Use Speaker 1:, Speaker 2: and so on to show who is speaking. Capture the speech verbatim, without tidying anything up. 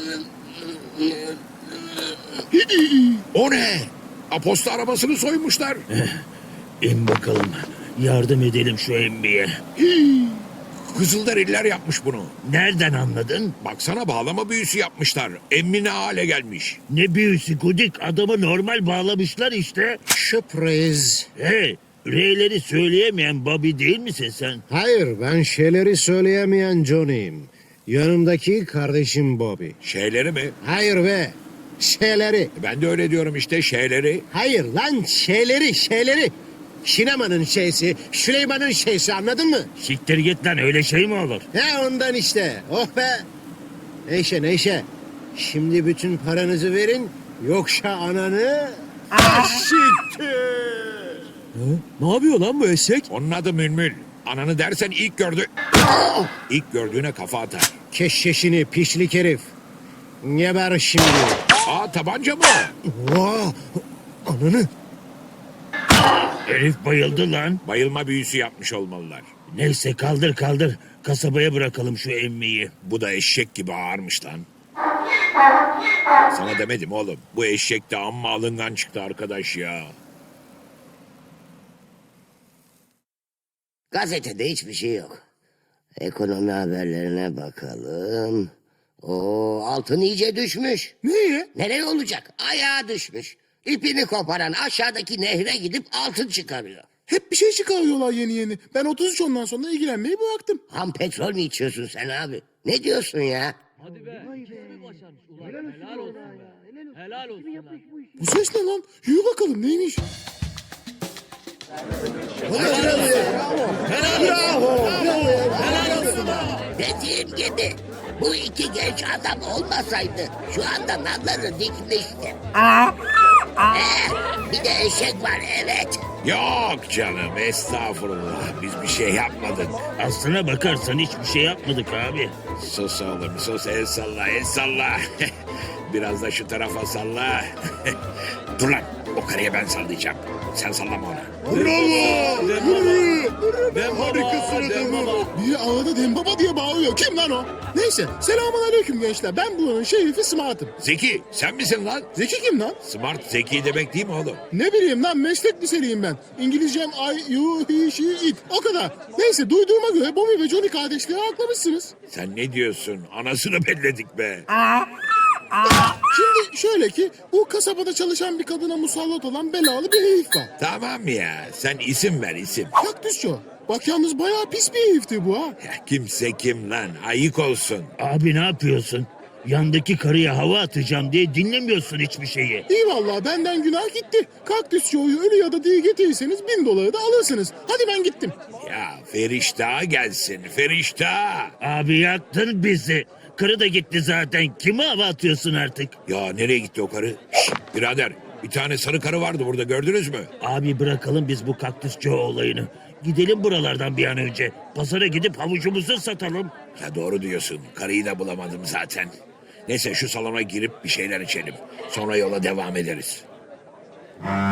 Speaker 1: O ne? Aposta arabasını soymuşlar.
Speaker 2: İn bakalım. Yardım edelim şu emmiye.
Speaker 1: Kızılderililer yapmış bunu.
Speaker 2: Nereden anladın?
Speaker 1: Baksana bağlama büyüsü yapmışlar. Emmi ne hale gelmiş.
Speaker 2: Ne büyüsü Gudik, adamı normal bağlamışlar işte.
Speaker 3: Sürpriz.
Speaker 2: Hey, R'leri söyleyemeyen Bobby değil misin sen?
Speaker 3: Hayır, ben şeyleri söyleyemeyen Johnny'yim. Yanımdaki kardeşim Bobby.
Speaker 1: Şeyleri mi?
Speaker 3: Hayır be, şeyleri.
Speaker 1: Ben de öyle diyorum işte şeyleri.
Speaker 3: Hayır lan, şeyleri, şeyleri. Şinemanın şeysi, Süleyman'ın şeysi, anladın mı?
Speaker 2: Siktir git lan, öyle şey mi olur?
Speaker 3: He ondan işte, oh be. Neyse neyse, şimdi bütün paranızı verin, yoksa ananı... Aşıktır.
Speaker 2: Ne yapıyor lan bu eşek?
Speaker 1: Onun adı Mülmül. Ananı dersen ilk gördü... İlk gördüğüne kafa atar.
Speaker 3: Keşkeşini pişlik herif. Geber şimdi.
Speaker 1: Aa tabanca mı?
Speaker 3: Vah, ananı.
Speaker 2: Herif bayıldı lan.
Speaker 1: Bayılma büyüsü yapmış olmalılar.
Speaker 2: Neyse kaldır kaldır. Kasabaya bırakalım şu emmiyi.
Speaker 1: Bu da eşek gibi ağırmış lan. Sana demedim oğlum. Bu eşek de amma alıngan çıktı arkadaş ya.
Speaker 4: Gazetede hiçbir şey yok. Ekonomi haberlerine bakalım. O altın iyice düşmüş.
Speaker 5: Niye?
Speaker 4: Nereye olacak? Ayağa düşmüş. İpini koparan aşağıdaki nehre gidip altın çıkarıyor.
Speaker 5: Hep bir şey çıkarıyorlar yeni yeni. Ben otuz üç ondan sonra ilgilenmeyi bıraktım.
Speaker 4: Ham petrol mü içiyorsun sen abi? Ne diyorsun ya?
Speaker 5: Bu ses ne lan? Yürü bakalım neymiş?
Speaker 4: Dediğim gibi bu iki genç adam olmasaydı şu anda nalları dikmişti. Ee, bir de eşek var evet.
Speaker 1: Yok canım estağfurullah. Biz bir şey yapmadık.
Speaker 2: Aslına bakarsan hiçbir şey yapmadık abi.
Speaker 1: Sus oğlum sus el salla el salla. Biraz da şu tarafa salla. Dur lan o karıya ben sallayacağım. Sen sallama ona.
Speaker 5: Bravo! Ben harikasın adamım. Biri ağda Dembaba diye bağırıyor. Kim lan o? Neyse selamun aleyküm gençler. Ben buranın şerifi Smart'ım.
Speaker 1: Zeki sen misin lan?
Speaker 5: Zeki kim lan?
Speaker 1: Smart zeki demek değil mi oğlum?
Speaker 5: Ne bileyim lan meslek liseliyim ben. İngilizcem I, you, he, she, it. O kadar. Neyse duyduğuma göre Bobby ve Johnny kardeşleri aklamışsınız.
Speaker 1: Sen ne diyorsun? Anasını belledik be.
Speaker 5: Şimdi şöyle ki bu kasabada çalışan bir kadına musallat olan belalı bir herif var.
Speaker 1: Tamam ya sen isim ver isim.
Speaker 5: Kaktüsçü. Bak yalnız bayağı pis bir herifti bu ha.
Speaker 1: Ya, kimse kim lan ayık olsun.
Speaker 2: Abi ne yapıyorsun? Yandaki karıya hava atacağım diye dinlemiyorsun hiçbir şeyi.
Speaker 5: İyi vallahi benden günah gitti. Kaktüsçü oyu ölü ya da diri getirirseniz bin doları da alırsınız. Hadi ben gittim.
Speaker 1: Ya Ferişta gelsin Ferişta.
Speaker 2: Abi yaktın bizi. Karı da gitti zaten. Kime hava atıyorsun artık?
Speaker 1: Ya nereye gitti o karı? Şşt, birader bir tane sarı karı vardı burada gördünüz mü?
Speaker 2: Abi bırakalım biz bu kaktüsçü olayını. Gidelim buralardan bir an önce. Pazara gidip havucumuzu satalım.
Speaker 1: Ya doğru diyorsun karıyı da bulamadım zaten. Neyse şu salona girip bir şeyler içelim. Sonra yola devam ederiz.